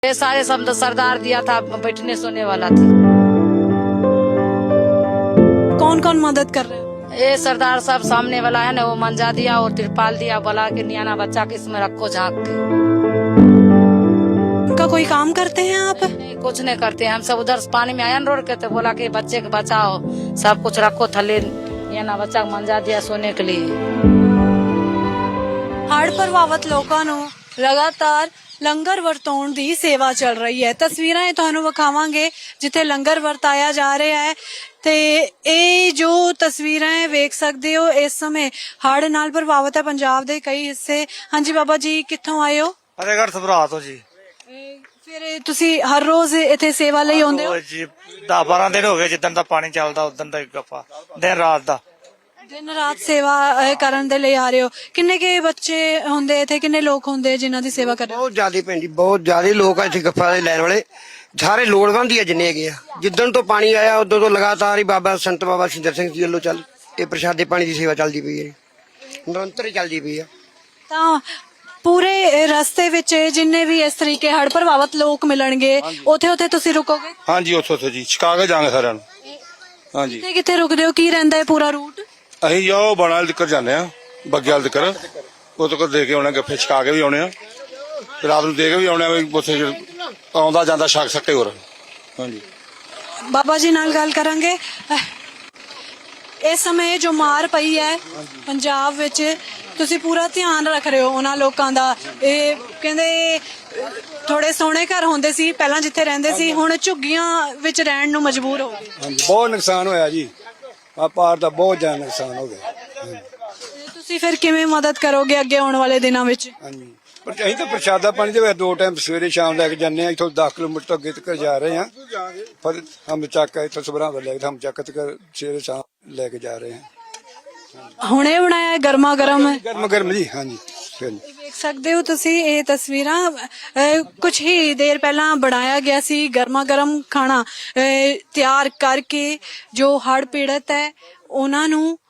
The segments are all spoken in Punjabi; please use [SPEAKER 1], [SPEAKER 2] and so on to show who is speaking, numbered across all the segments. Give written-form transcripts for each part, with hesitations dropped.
[SPEAKER 1] ये सारे सब तो सरदार दिया था, बैठने सोने वाला थी।
[SPEAKER 2] कौन कौन मदद कर रहे हैं?
[SPEAKER 1] ये सरदार साहब सामने वाला है ना, वो मंजा दिया और तिरपाल दिया, बोला कि नियाना बच्चा के इसमें रखो झांक के।
[SPEAKER 2] उनका कोई काम करते हैं आप?
[SPEAKER 1] नहीं, कुछ नहीं करते हम सब उधर पानी में आयन रोड के, तो बोला कि बच्चे को बचाओ, सब कुछ रखो थले, नियाना बच्चा को मंजा दिया सोने के लिए।
[SPEAKER 2] ਹੜ੍ਹ ਪ੍ਰਭਾਵਿਤ ਲੋਕਾਂ ਨੂੰ ਲਗਾਤਾਰ ਲੰਗਰ ਵਰਤਾਉਣ ਦੀ ਸੇਵਾ ਚੱਲ ਰਹੀ ਹੈ। ਤਸਵੀਰਾਂ ਇਹ ਤੁਹਾਨੂੰ ਵਿਖਾਵਾਂਗੇ ਜਿੱਥੇ ਲੰਗਰ ਵਰਤਾਇਆ ਜਾ ਰਿਹਾ ਹੈ ਤੇ ਇਹ ਜੋ ਤਸਵੀਰਾਂ ਹੈ ਵੇਖ ਸਕਦੇ ਹੋ, ਇਸ ਸਮੇਂ ਹੜ੍ਹ ਨਾਲ ਪ੍ਰਭਾਵਿਤ ਹੈ ਪੰਜਾਬ ਦੇ ਕਈ ਹਿੱਸੇ। ਹਾਂਜੀ ਬਾਬਾ ਜੀ, ਕਿੱਥੋਂ ਆਏ ਹੋ?
[SPEAKER 3] ਫਤਿਹਗੜ੍ਹ ਸਭਰਾ ਤੋਂ ਜੀ।
[SPEAKER 2] ਫਿਰ ਤੁਸੀਂ ਹਰ ਰੋਜ਼ ਇੱਥੇ ਸੇਵਾ ਲਈ ਆਉਂਦੇ ਹੋ?
[SPEAKER 3] ਜੀ 10-12 ਦਿਨ ਹੋ ਗਏ ਜਿੱਦਣ ਦਾ ਪਾਣੀ ਚੱਲਦਾ ਉਦੋਂ ਦਾ ਹੀ ਗੱਫਾ ਦਿਨ ਰਾਤ ਦਾ
[SPEAKER 2] ਦਿਨ ਰਾਤ ਸੇਵਾ ਕਰਨ ਦੇ ਲਈ ਆ ਰਹੇ ਹੋ। ਕਿੰਨੇ ਕੇ ਬੱਚੇ ਹੁੰਦੇ ਇੱਥੇ, ਕਿੰਨੇ ਲੋਕ ਹੁੰਦੇ ਜਿਨ੍ਹਾਂ ਦੀ ਸੇਵਾ ਕਰ ਰਹੇ ਹੋ?
[SPEAKER 4] ਬਹੁਤ ਜ਼ਿਆਦਾ ਭੈਣ ਜੀ, ਬਹੁਤ ਜ਼ਿਆਦਾ ਲੋਕ ਆ ਇੱਥੇ ਗੱਫਾ ਦੇ ਲੈਣ ਵਾਲੇ, ਸਾਰੇ ਲੋੜਵੰਦ ਹੀ ਆ ਜਿੰਨੇ ਹੈਗੇ ਆ। ਜਿੱਦਣ ਤੋਂ ਪਾਣੀ ਆਇਆ ਉਦੋਂ ਤੋਂ ਲਗਾਤਾਰ ਹੀ ਬਾਬਾ ਸੰਤ ਬਾਬਾ ਸਿੰਦਰ ਸਿੰਘ ਜੀ ਵੱਲੋਂ ਚੱਲ ਇਹ ਪ੍ਰਸ਼ਾਦੇ ਪਾਣੀ ਦੀ ਸੇਵਾ ਚੱਲਦੀ ਪਈ ਹੈ, ਨਿਰੰਤਰ ਹੀ ਚੱਲਦੀ ਪਈ ਆ।
[SPEAKER 2] ਤਾਂ ਪੂਰੇ ਰਸਤੇ ਵਿੱਚ ਜਿੰਨੇ ਵੀ ਇਸ ਤਰੀਕੇ ਹੜ੍ਹ ਪ੍ਰਭਾਵਿਤ ਲੋਕ ਮਿਲਣਗੇ, ਉੱਥੇ ਤੁਸੀਂ ਰੁਕੋਗੇ?
[SPEAKER 5] ਹਾਂਜੀ, ਉੱਥੋਂ ਜੀ ਸ਼ਿਕਾਗੋ ਜਾਵਾਂਗੇ ਸਾਰਿਆਂ ਨੂੰ। ਹਾਂਜੀ,
[SPEAKER 2] ਕਿੱਥੇ ਕਿੱਥੇ ਰੁਕਦੇ ਹੋ? ਕੀ ਰਹਿੰਦਾ ਹੈ ਪੂਰਾ ਰੂਟ?
[SPEAKER 5] ਅਸੀਂ ਜੋ ਬਾਣਾ ਤੱਕ ਜਾਂਦੇ ਆ, ਬੱਗੇ ਵਾਲ ਤੱਕ, ਉਹ ਤੱਕ ਦੇ ਕੇ ਆਉਣਾ, ਗੱਫੇ ਛਕਾ ਕੇ ਵੀ ਆਉਣੇ ਆ, ਰਾਤ ਨੂੰ ਦੇ ਕੇ ਵੀ ਆਉਣੇ ਆ, ਉੱਥੇ ਆਉਂਦਾ ਜਾਂਦਾ ਛਕ ਸਕੇ ਹੋਰ। ਹਾਂਜੀ,
[SPEAKER 2] ਬਾਬਾ ਜੀ ਨਾਲ ਗੱਲ ਕਰਾਂਗੇ। ਇਸ ਸਮੇਂ ਜੋ ਮਾਰ ਪਈ ਹੈ ਪੰਜਾਬ ਵਿੱਚ, ਤੁਸੀਂ ਪੂਰਾ ਧਿਆਨ ਰੱਖ ਰਹੇ ਹੋ ਉਹਨਾਂ ਲੋਕਾਂ ਦਾ। ਇਹ ਕਹਿੰਦੇ ਥੋੜੇ ਸੋਹਣੇ ਘਰ ਹੁੰਦੇ ਸੀ ਪਹਿਲਾਂ ਜਿੱਥੇ ਰਹਿੰਦੇ ਸੀ, ਹੁਣ ਝੁੱਗੀਆਂ ਵਿੱਚ ਰਹਿਣ ਨੂੰ ਮਜਬੂਰ ਹੋ ਗਏ।
[SPEAKER 6] ਹਾਂਜੀ, ਬਹੁਤ ਨੁਕਸਾਨ ਹੋਇਆ ਜੀ, ਆ ਪਾਰ ਦਾ ਬਹੁਤ ਜ਼ਿਆਦਾ ਨੁਕਸਾਨ ਹੋ ਗਿਆ।
[SPEAKER 2] ਤੁਸੀਂ ਫਿਰ ਕਿਵੇਂ ਮਦਦ ਕਰੋਗੇ ਅੱਗੇ ਆਉਣ ਵਾਲੇ ਦਿਨਾਂ ਵਿੱਚ?
[SPEAKER 6] ਹਾਂਜੀ, ਪਰ ਅਸੀਂ ਤਾਂ ਪ੍ਰਸ਼ਾਦਾ ਪਾਣੀ ਦੇ ਵਿੱਚ 2 ਟਾਈਮ ਸਵੇਰੇ ਸ਼ਾਮ ਲੈ ਕੇ ਜਾਂਦੇ ਆ। ਇੱਥੋਂ 10 ਕਿਲੋਮੀਟਰ ਅੱਗੇ ਤੱਕ ਜਾ ਰਹੇ ਆ, ਫਿਰ ਹਮ ਚੱਕ ਇੱਥੋਂ ਸਭਰਾਂ ਵੱਲ ਲੈ ਕੇ ਹਮ ਚੱਕ ਤੱਕ ਸਵੇਰੇ ਸ਼ਾਮ ਲੈ ਕੇ ਜਾ ਰਹੇ ਆ।
[SPEAKER 2] ਹੁਣੇ ਬਣਾਇਆ ਗਰਮਾ ਗਰਮ
[SPEAKER 6] ਗਰਮ ਗਰਮ ਜੀ। ਹਾਂਜੀ, ਫਿਰ
[SPEAKER 2] ਦੇਖ ਸਕਦੇ ਹੋ ਤੁਸੀਂ ਇਹ ਤਸਵੀਰਾਂ, ਕੁਝ ਹੀ ਦੇਰ ਪਹਿਲਾਂ ਬਣਾਇਆ ਗਿਆ ਸੀ ਗਰਮਾ ਗਰਮ ਖਾਣਾ ਤਿਆਰ ਕਰਕੇ ਜੋ ਹੜ੍ਹ ਪੀੜਤ ਹੈ ਉਹਨਾਂ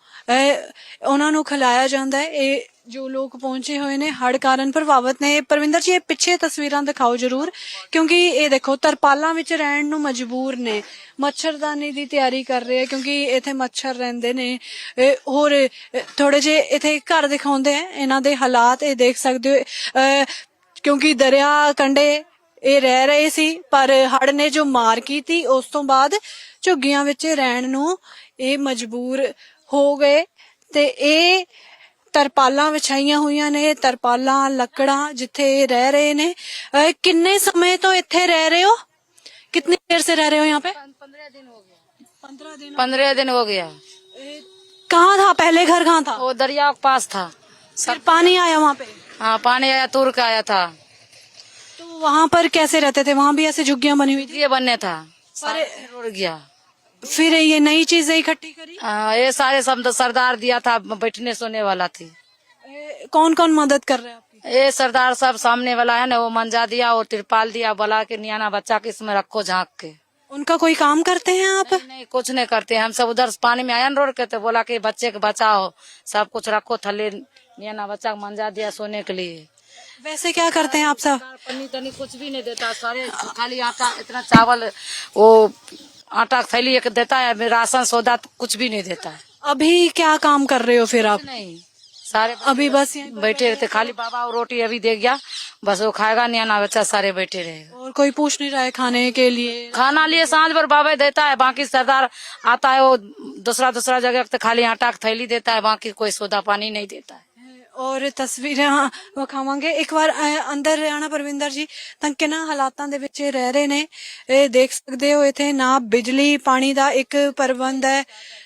[SPEAKER 2] ਨੂੰ ਖਿਲਾਇਆ ਜਾਂਦਾ ਹੈ। ਇਹ ਜੋ ਲੋਕ ਪਹੁੰਚੇ ਹੋਏ ਨੇ ਹੜ੍ਹ ਕਾਰਨ ਪ੍ਰਭਾਵਿਤ ਨੇ। ਪਰਵਿੰਦਰ ਜੀ, ਇਹ ਪਿੱਛੇ ਤਸਵੀਰਾਂ ਦਿਖਾਓ ਜਰੂਰ, ਕਿਉਂਕਿ ਇਹ ਦੇਖੋ ਤਰਪਾਲਾਂ ਵਿੱਚ ਰਹਿਣ ਨੂੰ ਮਜਬੂਰ ਨੇ, ਮੱਛਰਦਾਨੀ ਦੀ ਤਿਆਰੀ ਕਰ ਰਹੇ ਆ ਕਿਉਂਕਿ ਇੱਥੇ ਮੱਛਰ ਰਹਿੰਦੇ ਨੇ। ਹੋਰ ਥੋੜੇ ਜਿਹੇ ਇੱਥੇ ਘਰ ਦਿਖਾਉਂਦੇ ਆ ਇਹਨਾਂ ਦੇ ਹਾਲਾਤ, ਇਹ ਦੇਖ ਸਕਦੇ ਹੋ, ਕਿਉਂਕਿ ਦਰਿਆ ਕੰਢੇ ਇਹ ਰਹਿ ਰਹੇ ਸੀ, ਪਰ ਹੜ੍ਹ ਨੇ ਜੋ ਮਾਰ ਕੀਤੀ ਉਸ ਤੋਂ ਬਾਅਦ ਝੁੱਗੀਆਂ ਵਿੱਚ ਰਹਿਣ ਨੂੰ ਇਹ ਮਜਬੂਰ ਹੋ ਗਏ। ਤੇ ਇਹ ਤਰਪਾਲਾਂ ਵਿਛਾਈਆਂ ਹੋਈਆਂ ਨੇ, ਤਰਪਾਲਾਂ ਲੱਕੜਾਂ ਜਿੱਥੇ ਇਹ ਰਹਿ ਰਹੇ ਨੇ। ਕਿੰਨੇ समय ਤੋਂ ਇੱਥੇ ਰਹਿ ਰਹੇ ਹੋ? कितनी देर से रह रहे हो यहाँ पे?
[SPEAKER 1] 15 दिन हो गया।
[SPEAKER 2] 15
[SPEAKER 1] दिन हो गया।
[SPEAKER 2] कहाँ था पहले घर? कहाँ था?
[SPEAKER 1] वो दरिया के पास था।
[SPEAKER 2] फिर पानी आया वहाँ पे?
[SPEAKER 1] हाँ, पानी आया, तुर का आया था।
[SPEAKER 2] तो वहाँ पर कैसे रहते थे? वहाँ भी ऐसे झुग्गियाँ बनी हुई थी?
[SPEAKER 1] ये बनने था,
[SPEAKER 2] पर
[SPEAKER 1] रुड़ गया।
[SPEAKER 2] फिर ये नई चीजें इकट्ठी करी?
[SPEAKER 1] ये सारे सब तो सरदार दिया था, बैठने सोने वाला थी।
[SPEAKER 2] कौन कौन मदद कर रहे हैं आपकी?
[SPEAKER 1] ये सरदार साहब सामने वाला है ना, वो मंजा दिया और तिरपाल दिया, बोला कि नियाना बच्चा के इसमें रखो झांक के।
[SPEAKER 2] उनका कोई काम करते हैं आप?
[SPEAKER 1] नहीं, कुछ नहीं करते हम सब उधर पानी में आयन रोड के, तो बोला कि बच्चे को बचाओ, सब कुछ रखो थले, नियाना बच्चा को मंजा दिया सोने के लिए।
[SPEAKER 2] वैसे क्या करते हैं आप सब?
[SPEAKER 1] पन्नी तनी कुछ भी नहीं देता, सारे खाली आटा, इतना चावल, वो आटा थैली एक देता है, राशन सौदा कुछ भी नहीं देता है।
[SPEAKER 2] अभी क्या काम कर रहे हो फिर आप?
[SPEAKER 1] नहीं, सारे
[SPEAKER 2] अभी बस यहीं पर
[SPEAKER 1] बैठे रहते, खाली बाबा और रोटी अभी दे गया, बस वो खाएगा, नियाना बच्चा सारे बैठे रहेगा।
[SPEAKER 2] और कोई पूछ नहीं रहा है खाने के लिए?
[SPEAKER 1] खाना लिए सांझ पर बाबा देता है, बाकी सरदार आता है वो दूसरा जगह तो खाली आटा की थैली देता है, बाकी कोई सौदा पानी नहीं देता है।
[SPEAKER 2] और ਤਸਵੀਰਾਂ ਵਿਖਾਵਾਂਗੇ। ਇੱਕ ਵਾਰ ਅੰਦਰ ਆਣਾ ਪਰਵਿੰਦਰ ਜੀ, ਤਾਂ ਕਿੰਨਾ ਹਾਲਾਤਾਂ ਦੇ ਵਿੱਚ ਰਹਿ ਰਹੇ ਨੇ ਇਹ ਦੇਖ ਸਕਦੇ ਹੋ। ਇੱਥੇ ਨਾ ਬਿਜਲੀ ਪਾਣੀ ਦਾ ਇੱਕ ਪ੍ਰਬੰਧ ਹੈ,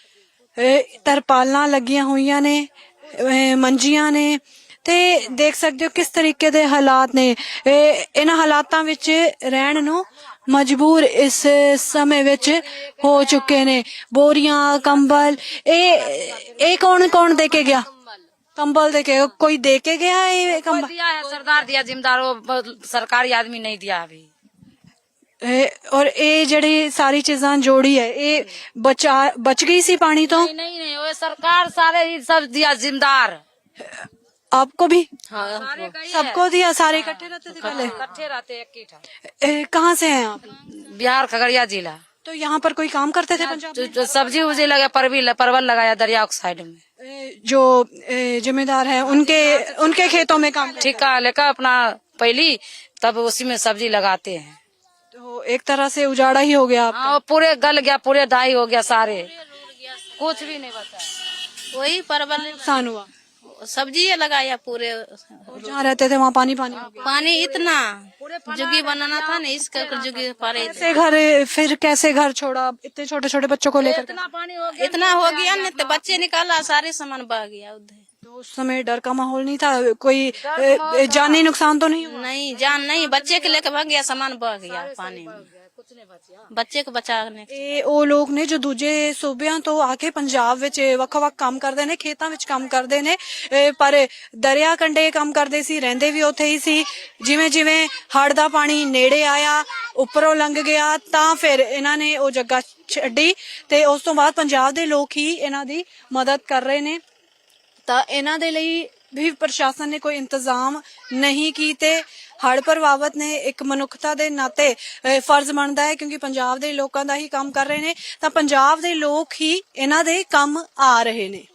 [SPEAKER 2] ਤਰਪਾਲਾਂ ਲੱਗੀਆਂ ਹੋਈਆਂ ਨੇ, ਮੰਜੀਆਂ ਨੇ, ਤੇ ਦੇਖ ਸਕਦੇ ਹੋ ਕਿਸ ਤਰੀਕੇ ਦੇ ਹਾਲਾਤ ਨੇ। ਇਹਨਾਂ ਹਾਲਾਤਾਂ ਵਿੱਚ ਰਹਿਣ ਨੂੰ ਮਜਬੂਰ ਇਸ ਸਮੇਂ ਵਿੱਚ ਹੋ ਚੁੱਕੇ ਨੇ। ਬੋਰੀਆਂ, ਕੰਬਲ, ਇਹ ਕੌਣ ਦੇ ਕੇ ਗਿਆ? कंबल दे के कोई दे के गया है? कंबल
[SPEAKER 1] दिया है, सरदार दिया, जिम्मेदार सरकारी आदमी नहीं दिया अभी।
[SPEAKER 2] और ये जड़ी सारी चीजा जोड़ी है, ये बच गई सी पानी तो?
[SPEAKER 1] नहीं, वो सरकार सारे ही सब दिया, जिम्मेदार।
[SPEAKER 2] आपको भी
[SPEAKER 1] सारे का ही है।
[SPEAKER 2] सबको दिया? सारे इकट्ठे रहते थे पहले?
[SPEAKER 1] इकट्ठे रहते एक ही था।
[SPEAKER 2] कहाँ से हैं आप?
[SPEAKER 1] बिहार खगड़िया जिला।
[SPEAKER 2] तो यहाँ पर कोई काम करते थे पंजाब में?
[SPEAKER 1] जो सब्जी उब्जी लगा परवल लगाया दरिया के साइड में।
[SPEAKER 2] जो जिम्मेदार है उनके खेतों में काम करते
[SPEAKER 1] ठेका लेकर अपना पहली तब उसी में सब्जी लगाते हैं।
[SPEAKER 2] तो एक तरह से उजाड़ा ही हो गया आपका।
[SPEAKER 1] हाँ पूरे गल गया, पूरे दाई हो गया, सारे कुछ भी नहीं बचा।
[SPEAKER 7] वही परवल
[SPEAKER 2] नुकसान हुआ।
[SPEAKER 7] सब्जी लगाया पूरे।
[SPEAKER 2] और जहाँ रहते थे वहाँ पानी हो गया।
[SPEAKER 7] पानी इतना जुगी बनाना था ना, इसका जुगी पारे
[SPEAKER 2] कैसे घर छोड़ा इतने छोटे छोटे बच्चों को लेकर?
[SPEAKER 7] इतना हो गया न तो बच्चे निकाला, सारे सामान बह गया उधर।
[SPEAKER 2] तो उस समय डर का माहौल नहीं था? कोई जानी नुकसान तो नहीं हुआ?
[SPEAKER 7] नहीं जान नहीं, बच्चे के लेकर भाग गया, सामान बह गया पानी में, ਬੱਚੇ ਕੋ ਬਚਾਣੇ।
[SPEAKER 2] ਇਹ ਉਹ ਲੋਕ ਨੇ ਜੋ ਦੂਜੇ ਸੂਬਿਆਂ ਤੋਂ ਆ ਕੇ ਪੰਜਾਬ ਵਿੱਚ ਵੱਖ-ਵੱਖ ਕੰਮ ਕਰਦੇ ਨੇ, ਖੇਤਾਂ ਵਿੱਚ ਕੰਮ ਕਰਦੇ ਨੇ, ਪਰ ਦਰਿਆ ਕੰਢੇ ਕੰਮ ਕਰਦੇ ਸੀ, ਰਹਿੰਦੇ ਵੀ ਉੱਥੇ ਹੀ ਸੀ। ਜਿਵੇਂ ਜਿਵੇਂ ਹੜ੍ਹ ਦਾ ਪਾਣੀ ਨੇੜੇ ਆਇਆ, ਉੱਪਰੋਂ ਲੰਘ ਗਿਆ, ਤਾਂ ਫਿਰ ਇਹਨਾਂ ਨੇ ਉਹ ਜਗ੍ਹਾ ਛੱਡੀ ਤੇ ਉਸ ਤੋਂ ਬਾਅਦ ਪੰਜਾਬ ਦੇ ਲੋਕ ਹੀ ਇਹਨਾਂ ਦੀ ਮਦਦ ਕਰ ਰਹੇ ਨੇ। ਤਾਂ ਇਹਨਾਂ ਦੇ ਲਈ ਵੀ ਪ੍ਰਸ਼ਾਸਨ ਨੇ ਕੋਈ ਇੰਤਜ਼ਾਮ ਨਹੀਂ ਕੀਤੇ। ਹੜ੍ਹ ਪ੍ਰਭਾਵਿਤ ਨੇ ਇੱਕ ਮਨੁੱਖਤਾ ਦੇ ਨਾਤੇ ਫਰਜ਼ ਬਣਦਾ ਹੈ, ਕਿਉਂਕਿ ਪੰਜਾਬ ਦੇ ਲੋਕਾਂ ਦਾ ਹੀ ਕੰਮ ਕਰ ਰਹੇ ਨੇ, ਤਾਂ ਪੰਜਾਬ ਦੇ ਲੋਕ ਹੀ ਇਹਨਾਂ ਦੇ ਕੰਮ ਆ ਰਹੇ ਨੇ।